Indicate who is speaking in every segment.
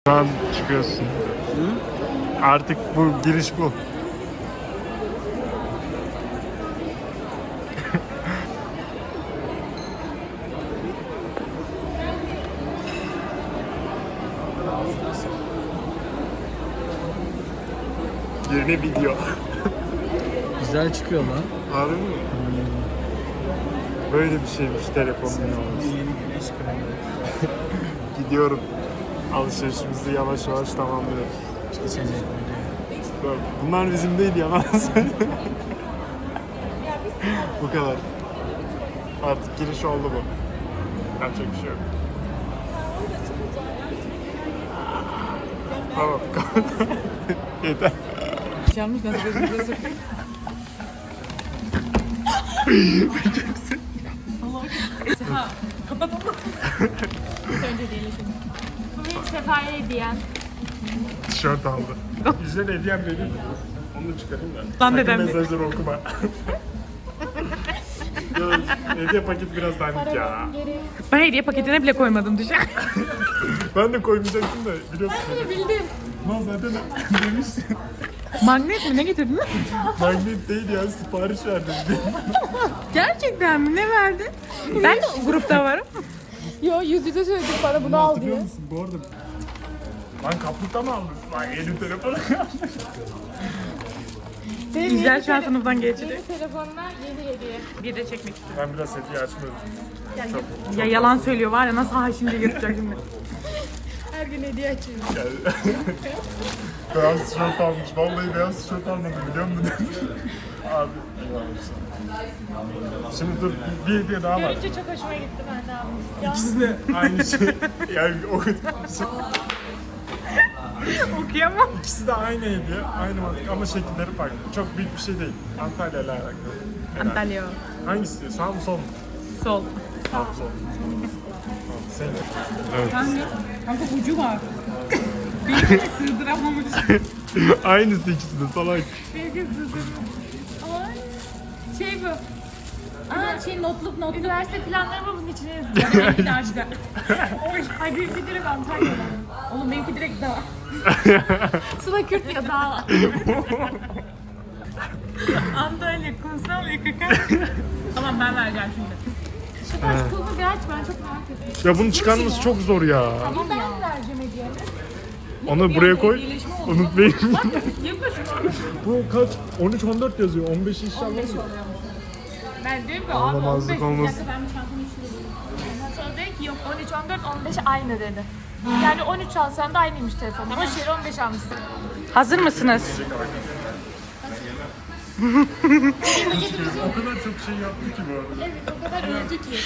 Speaker 1: Şu an çıkıyorsun.
Speaker 2: Hı?
Speaker 1: Artık bu giriş bu. Yeni video.
Speaker 2: Güzel çıkıyor lan.
Speaker 1: Harbi mi? Böyle bir şeymiş telefonun olması.
Speaker 2: Yeni güneş kremi.
Speaker 1: Gidiyorum. Alışverişimizi yavaş yavaş tamamlıyoruz.
Speaker 2: İçecekleri.
Speaker 1: Bunlar bizim değil, yalan söylüyorum. Bu kadar. Artık giriş oldu bu. Yapacak bir şey yok. Tamam. Yeter.
Speaker 3: Yanlış nasıl gözünüze sokayım? Sefa kapatalım. Önce değil şimdi.
Speaker 4: Bu benim Sefa'ya hediyem.
Speaker 1: Tişört aldı. Yüzden hediyem benim. Onu da çıkarayım da.
Speaker 3: Lan
Speaker 1: Sakın
Speaker 3: dedem de.
Speaker 1: mesajları okuma. Ya, hediye paketi biraz dandik ya.
Speaker 4: Geri.
Speaker 3: Ben hediye paketine bile koymadım düşün.
Speaker 1: Ben de koymayacaktım da biliyorsun.
Speaker 4: Bildim.
Speaker 1: Lan zaten demiştin.
Speaker 3: Magnet mi ne getirdin?
Speaker 1: Magnet değil ya, sipariş verdim.
Speaker 3: Gerçekten mi? Ne verdin? Ben de o grupta varım.
Speaker 4: Yo yüz yüze söyledik bana bunu al
Speaker 1: Hatırlıyor
Speaker 4: diye.
Speaker 1: musun? Bu arada lan kaplıkta mı aldın? Lan yeni telefonu.
Speaker 4: Benim
Speaker 3: Güzel
Speaker 4: yeni
Speaker 3: şu an sınıftan geçti.
Speaker 4: Yeni telefonla yeni hediye.
Speaker 3: Bir de çekmek istiyorum.
Speaker 1: Ben biraz hediye açmıyorum.
Speaker 3: Ya yalan söylüyor var ya, nasıl ha şimdi yırtacak şimdi.
Speaker 4: Her gün hediye açıyorum.
Speaker 1: Yani, beyaz tişört almış. Vallahi beyaz tişört almadım, biliyor musun? Abi eyvallah işte. Şimdi dur, bir hediye daha var.
Speaker 4: Görünce çok hoşuma gitti, ben de almıştım.
Speaker 1: İkisi de aynı şey. Yani o
Speaker 3: Okuyamam.
Speaker 1: İkisi de aynı hediye, aynı mantık ama şekilleri farklı. Çok büyük bir şey değil. Antalya ile alakalı. Herhalde.
Speaker 3: Antalya.
Speaker 1: Hangisi diyor? Sağ mı sol mu?
Speaker 3: Sol.
Speaker 1: Sağ mı sol mu? Sen. Evet.
Speaker 3: Kanka ucu var. Benimkini sığdıramamış.
Speaker 1: Aynısı ikisi de salak.
Speaker 4: Sevgili sızım. Ay. Şey bu. Aa şey notluk. Üniversite planlarımı bunun içine yazıyorum.
Speaker 3: Benimki de açtı.
Speaker 4: Ay benimki direkt Antalya'dan.
Speaker 3: Oğlum benimki direkt daha.
Speaker 4: Sıla Kürt ya daha.
Speaker 3: Antalya, kumsal, YKK. Tamam ben vereceğim şimdi.
Speaker 4: Şu taş kılını bir aç, ben çok merak ediyorum.
Speaker 1: Ya bunu çıkarması çok zor ya.
Speaker 4: Ama ben vereceğim hediyemi.
Speaker 1: Onu buraya koy. Unutmayın.
Speaker 3: Yapışma.
Speaker 1: Bu kaç? 13-14 yazıyor. 15 inşallah.
Speaker 4: Ben diyorum ki
Speaker 1: Anlamazlık
Speaker 4: abi 15
Speaker 1: olmaz.
Speaker 4: bir dakika ben bir çantamı içine. Ondan sonra dedi ki yok 13, 14, 15 aynı dedi. Yani 13 alsan da aynıymış telefon. Ama şeri 15 almışsın.
Speaker 3: Hazır mısınız?
Speaker 1: O kadar çok şey yaptı ki bu arada.
Speaker 4: Evet o kadar öldü ki.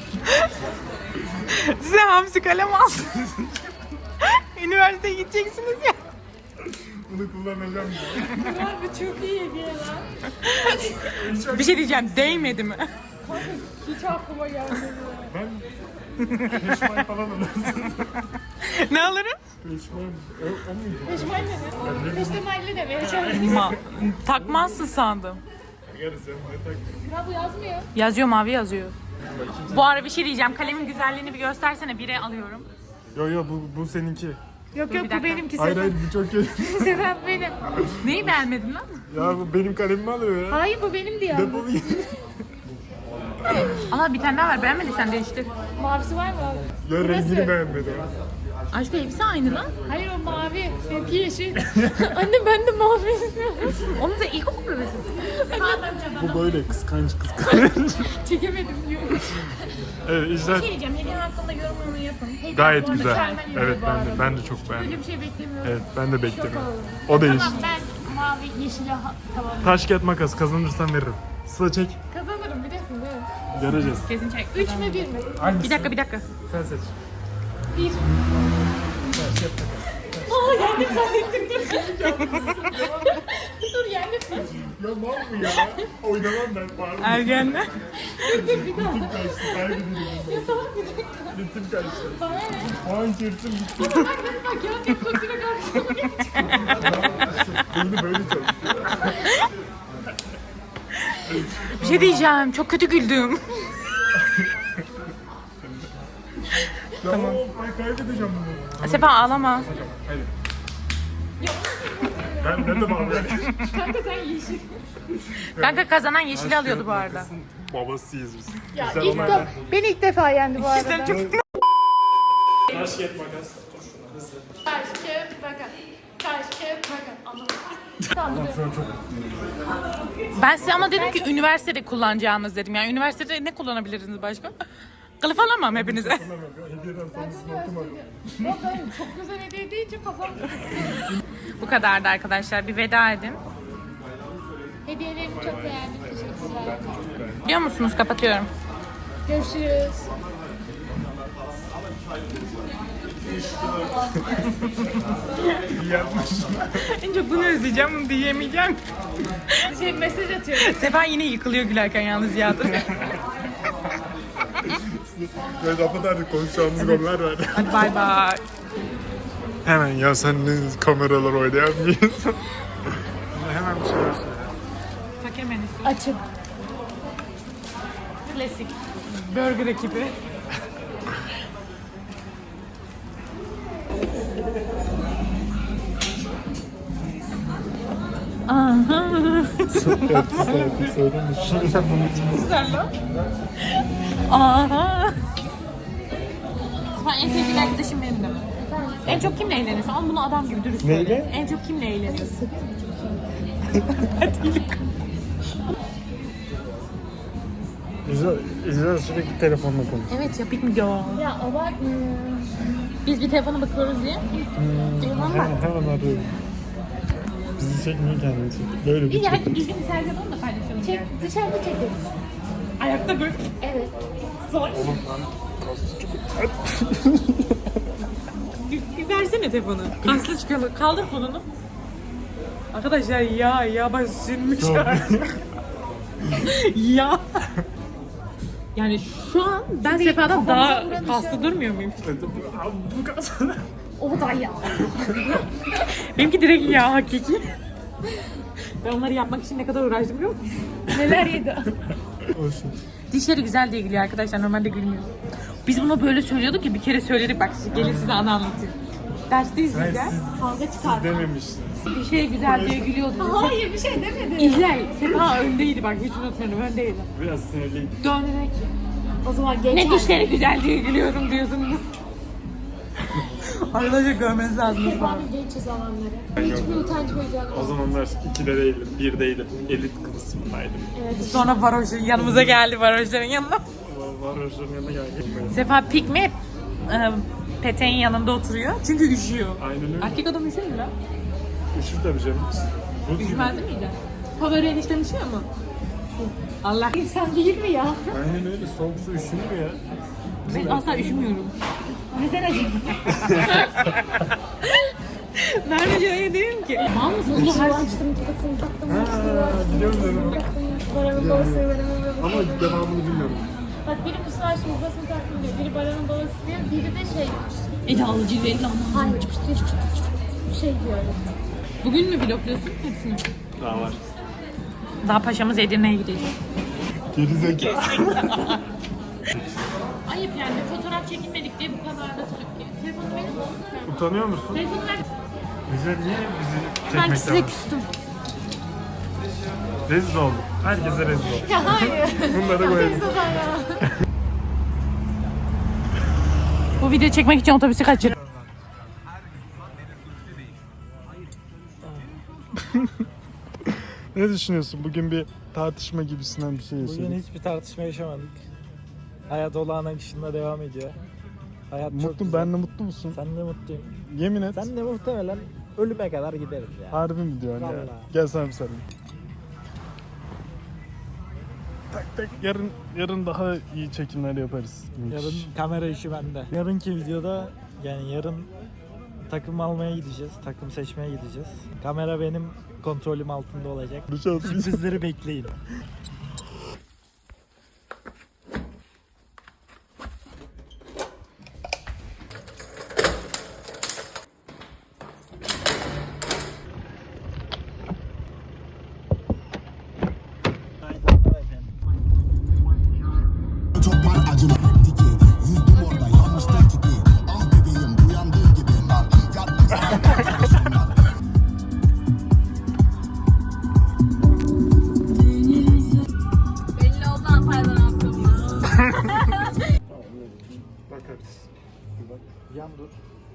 Speaker 3: Size hamsi kalem aldım. Üniversiteye gideceksiniz ya.
Speaker 1: Bunu kullanacağım ya.
Speaker 4: Abi çok iyi hediye lan.
Speaker 3: Bir şey diyeceğim, değmedi mi?
Speaker 4: Hiç aklıma gelmedi.
Speaker 1: Ben peşmay falan alırsın.
Speaker 3: Ne alırım?
Speaker 1: Peşmay. O muydu?
Speaker 4: Peşmal ne dedi? Peştemalli de vereceğim.
Speaker 3: Takmazsın sandım.
Speaker 1: Yarısı ya. Ne tak?
Speaker 4: Ya bu yazmıyor.
Speaker 3: Yazıyor, mavi yazıyor. Bu ara bir şey diyeceğim. Kalemin güzelliğini bir göstersene. Bire alıyorum.
Speaker 1: Yo bu seninki.
Speaker 4: Yok
Speaker 3: bir
Speaker 4: yok
Speaker 3: dakika.
Speaker 4: bu benimki
Speaker 1: Hayır
Speaker 4: Sefer.
Speaker 1: hayır bu çok iyi.
Speaker 4: Sefer benim.
Speaker 3: Neyi beğenmedin lan?
Speaker 1: Ya bu benim kalemimi alıyor ya.
Speaker 4: Hayır bu benim diye aldım.
Speaker 1: Defol git.
Speaker 3: Allah bir tane daha var. Beğenmediysen değiştir.
Speaker 4: Mavisi var mı?
Speaker 1: Ya
Speaker 4: Burası.
Speaker 1: rengini beğenmedim.
Speaker 3: Aşkım hepsi aynı lan.
Speaker 4: Hayır o mavi. Benimki yeşil. Anne ben de mavi istiyorum.
Speaker 3: Onu da ilkokul bebesi.
Speaker 1: Bu böyle kıskanç.
Speaker 4: Çekemedim diyor.
Speaker 1: Evet işte
Speaker 3: şey diyeceğim. Hediye hakkında yorumumu yapın.
Speaker 1: gayet
Speaker 4: Bu arada
Speaker 1: güzel.
Speaker 4: mükemmel iyi
Speaker 1: Evet
Speaker 4: bu arada.
Speaker 1: ben de çok beğendim.
Speaker 4: Böyle bir şey beklemiyorum.
Speaker 1: Evet ben de beklemiyorum.
Speaker 4: oldum.
Speaker 1: O da yeşil.
Speaker 4: Tamam ben mavi yeşile tamam.
Speaker 1: Taş kağıt makas kazanırsan veririm. Sıla çek.
Speaker 4: Kazanırım biliyorsun değil mi?
Speaker 1: Göreceğiz.
Speaker 3: Kesin çek.
Speaker 4: 3 mü 1 mi?
Speaker 1: Hangisi?
Speaker 3: Bir dakika.
Speaker 1: Sen seç.
Speaker 4: 1.
Speaker 1: Taş kağıt makas.
Speaker 4: Aa yendim zannettim dur yendim.
Speaker 1: Ya mal mı ya? Oynamam ben pardon.
Speaker 3: Ergenler.
Speaker 4: Bir daha.
Speaker 1: Ritim kaçtı. Kaybediyorum.
Speaker 4: Ya salak bir dakika.
Speaker 1: Ritim kaçtı.
Speaker 4: Bana ne?
Speaker 1: Puan çırptım gitti.
Speaker 4: Bak nasıl bak ya deflatüre karşıma
Speaker 1: Beyni böyle çalışıyor.
Speaker 3: Bir şey diyeceğim. Çok kötü güldüm. Tamam.
Speaker 1: Ben kaybedeceğim bunu.
Speaker 3: Sefa ağlama.
Speaker 1: Hadi. Ben ne de abi?
Speaker 4: Kanka sen yeşil.
Speaker 3: Kanka kazanan yeşili alıyordu bu arada.
Speaker 1: Babasıyız biz.
Speaker 4: Ya
Speaker 1: Güzel
Speaker 4: ilk
Speaker 1: olay.
Speaker 4: de beni ilk defa yendi bu arada.
Speaker 3: Sen çok...
Speaker 1: Taş ket makas.
Speaker 4: Taş kağıt makas. Taş kağıt makas. Anlamadım. Tamam.
Speaker 1: Şu an çok
Speaker 3: Ben size ama dedim ki üniversitede kullanacağınız dedim. Yani üniversitede ne kullanabilirsiniz başka? Kılıf alamam hepinize.
Speaker 1: hediyeden sonrasını okumadım.
Speaker 4: Yok hayır çok güzel hediye deyince kafam.
Speaker 3: Bu kadardı arkadaşlar. Bir veda edin.
Speaker 4: Hediyelerini çok beğendim. Teşekkürler.
Speaker 3: Biliyor musunuz? Kapatıyorum.
Speaker 4: Görüşürüz.
Speaker 1: İyi yapmış.
Speaker 3: En çok bunu özleyeceğim, bunu diyemeyeceğim.
Speaker 4: Mesaj atıyorum.
Speaker 3: Sefa yine yıkılıyor gülerken yalnız ya.
Speaker 1: Böyle kapatardık konuşacağımız konular var.
Speaker 3: Hadi bay bay.
Speaker 1: Hemen ya sen ne kameralar oynayan bir insan. Hemen bir şeyler söyle.
Speaker 3: Fakemen
Speaker 4: Açın.
Speaker 3: Klasik. Burger ekibi. Aha.
Speaker 1: Artık söylemiş.
Speaker 3: Güzel lan. Aha. En sevdiğin arkadaşım benim de. En çok kimle eğleniyorsun? Ama bunu adam gibi dürüst söyle.
Speaker 1: Neyle?
Speaker 3: En çok kimle eğleniyorsun?
Speaker 1: İzler sürekli telefonla konuş.
Speaker 3: Evet ya bitmiyor.
Speaker 4: Ya abartma.
Speaker 3: Biz bir telefona bakıyoruz diye.
Speaker 1: Hemen arıyorum. Bizi çekmiyor kendini çek. Böyle bir
Speaker 3: İyi
Speaker 1: çek.
Speaker 3: hadi düzgün bir selfie yapalım da paylaşalım.
Speaker 4: Çek, dışarıda çekeriz.
Speaker 3: Ayakta böyle.
Speaker 4: Evet.
Speaker 3: Zor. Bir versene telefonu. Kaslı çıkalım. Kaldır kolunu. Arkadaşlar ya bak sünmüş artık. Ya. Yani şu an ben Sefa'dan daha kaslı durmuyor muyum?
Speaker 1: Bu kadar.
Speaker 4: O da ya.
Speaker 3: Benimki direkt ya hakiki. Ben onları yapmak için ne kadar uğraştım biliyor musun?
Speaker 4: Neler yedi.
Speaker 1: Olsun.
Speaker 3: Dişleri güzel diye gülüyor arkadaşlar. Normalde gülmüyor. Biz bunu böyle söylüyorduk ya bir kere söyledik. Bak gelin size anı anlatayım. Dersteyiz biz de.
Speaker 4: Kavga çıkar.
Speaker 1: Dememişsin.
Speaker 3: Dişleri güzel diye gülüyordu.
Speaker 4: Hayır bir şey demedim.
Speaker 3: İzler. Sefa öndeydi bak hiç unutmuyorum öndeydi.
Speaker 1: Biraz sinirliyim.
Speaker 3: Döndü dedi ki.
Speaker 4: O zaman geç.
Speaker 3: Ne dişleri güzel diye gülüyorum diyorsun. Arkadaşlar görmeniz lazım.
Speaker 4: Sefa'nın genç zamanları. Hiçbir utanç duyacağım.
Speaker 1: O zamanlar 2'de değilim, 1'deydim. Elit kısmındaydım.
Speaker 4: Evet.
Speaker 3: Sonra varoşun yanımıza geldi varoşların yanına.
Speaker 1: Var hoşların yanına geldim.
Speaker 3: Sefa pikmi hep peteğin yanında oturuyor. Çünkü üşüyor.
Speaker 1: Aynen öyle.
Speaker 3: Erkek adam üşüyor mu lan?
Speaker 1: Üşür tabii canım. Buz gibi.
Speaker 3: Üşümez değil miydi? Favori enişten üşüyor mu? Allah.
Speaker 4: İnsan değil mi ya?
Speaker 1: Aynen öyle. Soğuk su üşümüyor ya.
Speaker 3: Ben asla üşümüyorum.
Speaker 4: Neden acaba?
Speaker 3: Ben de öyle değilim ki. Mal mısın?
Speaker 4: Bunu açtım, kafasını taktım.
Speaker 1: Biliyorum ben onu.
Speaker 4: Baranın babası, baranın babası.
Speaker 1: Ama devamını bilmiyorum.
Speaker 4: Bak biri kusura açtım, babasını taktım diyor. Biri baranın babası diyor, biri de şey.
Speaker 3: Edalı cilveli ama.
Speaker 4: Hayır, bir şey diyor.
Speaker 3: Bugün mü vlogluyorsun hepsini?
Speaker 1: Daha var.
Speaker 3: Daha paşamız Edirne'ye gidecek.
Speaker 1: Gerizekalı.
Speaker 3: Ayıp yani fotoğraf çekinmedik diye bu kadar da tepki. Telefonu verir misin?
Speaker 1: Utanıyor musun?
Speaker 3: Telefonu ver.
Speaker 1: Bize niye bizi
Speaker 4: Ben
Speaker 1: çekmekten
Speaker 4: size küstüm.
Speaker 1: Rezil olduk. Herkese rezil olduk.
Speaker 4: Ya hayır.
Speaker 1: Bunları koyalım.
Speaker 4: Sezon ya.
Speaker 3: Bu video çekmek için otobüsü kaçırdım.
Speaker 1: Ne düşünüyorsun? Bugün bir tartışma gibisinden bir şey
Speaker 2: Bugün
Speaker 1: yaşadık.
Speaker 2: hiçbir tartışma yaşamadık. Hayat olağan akışında devam ediyor. Hayat çok
Speaker 1: Mutlu,
Speaker 2: güzel.
Speaker 1: ben de mutlu musun?
Speaker 2: Sen de mutluyum.
Speaker 1: Yemin et.
Speaker 2: Sen de muhtemelen ölüme kadar gideriz ya.
Speaker 1: Harbi mi diyorsun ya?
Speaker 2: Vallahi.
Speaker 1: Gel sana bir sarayım. Tak tak yarın daha iyi çekimler yaparız.
Speaker 2: Yarın kamera işi bende. Yarınki videoda yani yarın takım almaya gideceğiz. Takım seçmeye gideceğiz. Kamera benim kontrolüm altında olacak.
Speaker 1: Konuşalım.
Speaker 2: Sürprizleri bekleyin.
Speaker 5: Çok var acılı tiki. Yüzdüm orada yanlış taktikli.
Speaker 1: Bakarız. Bir bak.
Speaker 2: Yan dur.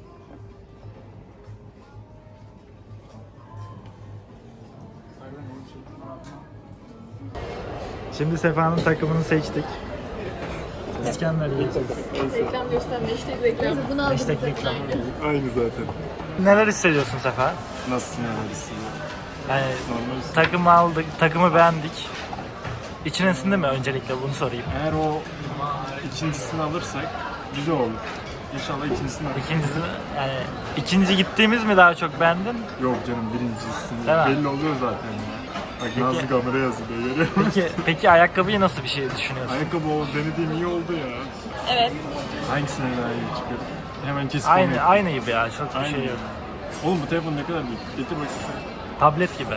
Speaker 2: Şimdi Sefa'nın takımını seçtik. İskender yiyeceğiz.
Speaker 4: Reklam gösterme, hashtag reklam. Bunu aldım.
Speaker 2: Hashtag reklam.
Speaker 1: Aynı zaten.
Speaker 2: Neler hissediyorsun Sefa?
Speaker 1: Nasılsın neler
Speaker 2: Yani
Speaker 1: Normal.
Speaker 2: takımı aldık, takımı beğendik. İçine sindi mi öncelikle bunu sorayım.
Speaker 1: Eğer o ikincisini alırsak güzel olur. İnşallah ikincisini alırız.
Speaker 2: İkincisi yani ikinci gittiğimiz mi daha çok beğendin?
Speaker 1: Yok canım birincisini.
Speaker 2: Değil mi?
Speaker 1: Belli oluyor zaten ya. Bak Nazlı kameraya yazıyor görüyor musun?
Speaker 2: Peki ayakkabıyı nasıl bir şey düşünüyorsun?
Speaker 1: Ayakkabı o denediğim iyi oldu ya.
Speaker 4: Evet.
Speaker 1: Hangisine daha iyi çıkıyor? Hemen kesip
Speaker 2: Aynı gibi ya çok bir
Speaker 1: Aynı.
Speaker 2: şey yok.
Speaker 1: Oğlum bu telefon ne kadar büyük? Getir bakayım sen.
Speaker 2: Tablet gibi.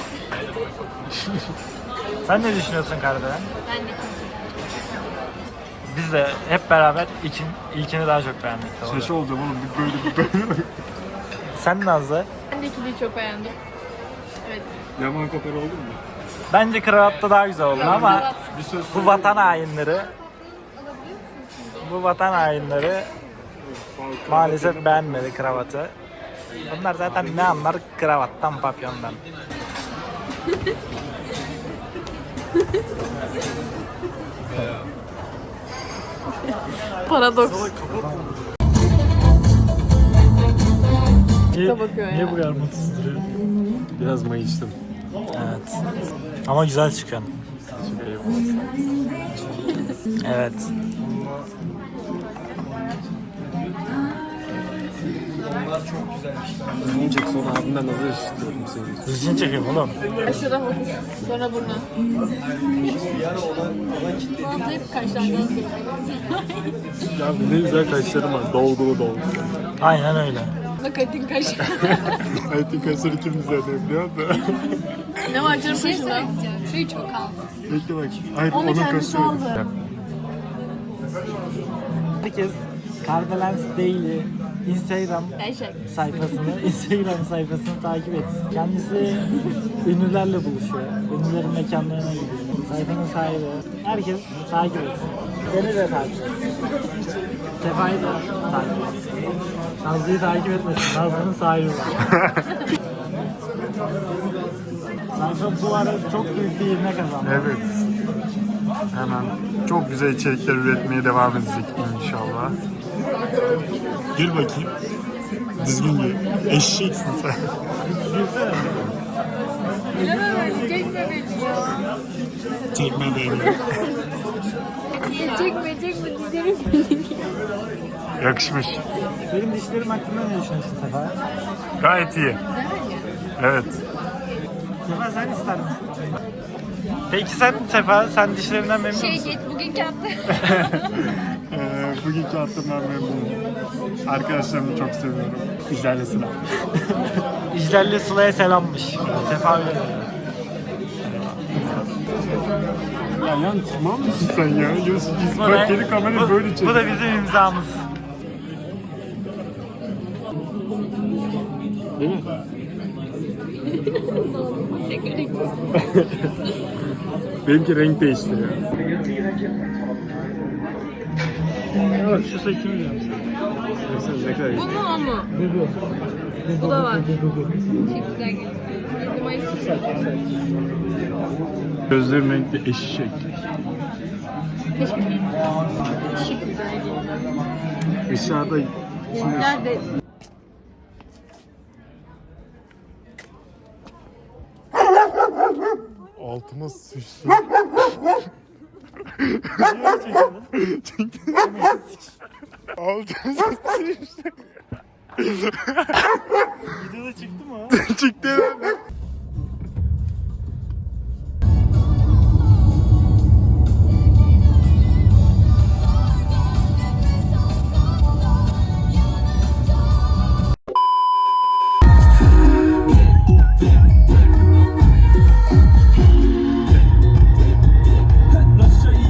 Speaker 2: Sen ne düşünüyorsun Kardelen?
Speaker 4: Ben de.
Speaker 2: Biz de hep beraber ilkini daha çok beğendik. Doğru.
Speaker 1: Şaşı olacağım oğlum bir böyle.
Speaker 2: Sen Nazlı?
Speaker 4: Ben de ikiliyi çok beğendim. Evet.
Speaker 1: Yaman kopar oldu mu?
Speaker 2: Bence kravatta daha güzel oldu ama
Speaker 1: Bir söz
Speaker 2: bu vatan hainleri maalesef beğenmedi kravatı. Bunlar zaten ne anlar kravattan, papyondan.
Speaker 4: Paradoks.
Speaker 2: Niye bu kadar mutsuz duruyor?
Speaker 1: Biraz mayıştım.
Speaker 2: Evet. Ama güzel çıkıyorsun. Evet.
Speaker 1: Düzgün çek sonra abimden nazar işitiyorum seni.
Speaker 2: Düzgün çekiyorum oğlum.
Speaker 4: Aşırı hafif. Sonra burnu. Hafif kaşlardan
Speaker 1: Ya ne güzel kaşlarım var. Dolgulu dolgulu.
Speaker 2: Aynen öyle.
Speaker 4: Nakatin kaşı.
Speaker 1: Hayatın kaşları kim düzenliyor biliyor musun?
Speaker 4: Ne var canım kaşında? Şu çok al.
Speaker 1: Bekle bak. Hayır
Speaker 4: Onu
Speaker 1: onun
Speaker 4: kendisi
Speaker 1: kaşı.
Speaker 4: aldı.
Speaker 2: Herkes Kardelens Daily Instagram sayfasını takip etsin. Kendisi ünlülerle buluşuyor. Ünlülerin mekanlarına gidiyor. Sayfanın sahibi. Herkes takip etsin. Beni de takip etsin. Sefa'yı da takip etsin. Nazlı'yı takip etmesin. Nazlı'nın sahibi var. Sayfa bu ara çok büyük bir ivme kazandı.
Speaker 1: Evet. Hemen çok güzel içerikler üretmeye devam edecek inşallah. Gir bakayım. Düzgün gir. Eşeksin sen.
Speaker 4: Çekme beni ya.
Speaker 1: Çekme beni.
Speaker 4: Çekme dizlerim.
Speaker 1: Yakışmış.
Speaker 2: Benim dişlerim hakkında ne düşünüyorsun Sefa?
Speaker 1: Gayet iyi. Evet.
Speaker 2: Sefa sen ister misin? Peki sen dişlerinden memnun musun?
Speaker 4: Git bugünkü hafta.
Speaker 1: Bugünkü hattımdan memnunum. Arkadaşlarımı çok seviyorum. İclerle sıra.
Speaker 2: İclalli Sıla'ya selammış. Sefa öyle.
Speaker 1: Ya yan tamam mısın sen ya? Bak geri kamerayı böyle çek.
Speaker 2: Bu da bizim imzamız.
Speaker 1: Değil mi? Benimki renk değiştiriyor.
Speaker 2: Yok şu saçımı diyorum sana.
Speaker 1: Ne kadar iyi.
Speaker 4: Bu mu o mu? Bu da var. Çok güzel geliyor.
Speaker 1: Gözlerim renkli eşek. Dışarıda şimdi
Speaker 4: Nerede?
Speaker 1: altıma sıçtı. Altıma sıçtı.
Speaker 2: Videoda çıktı mı o?
Speaker 1: Çıktı herhalde.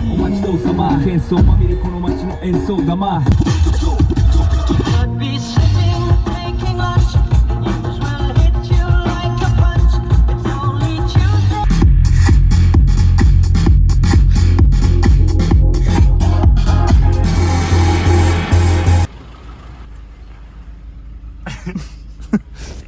Speaker 5: Insomma, ma mi riconosco in so da mai.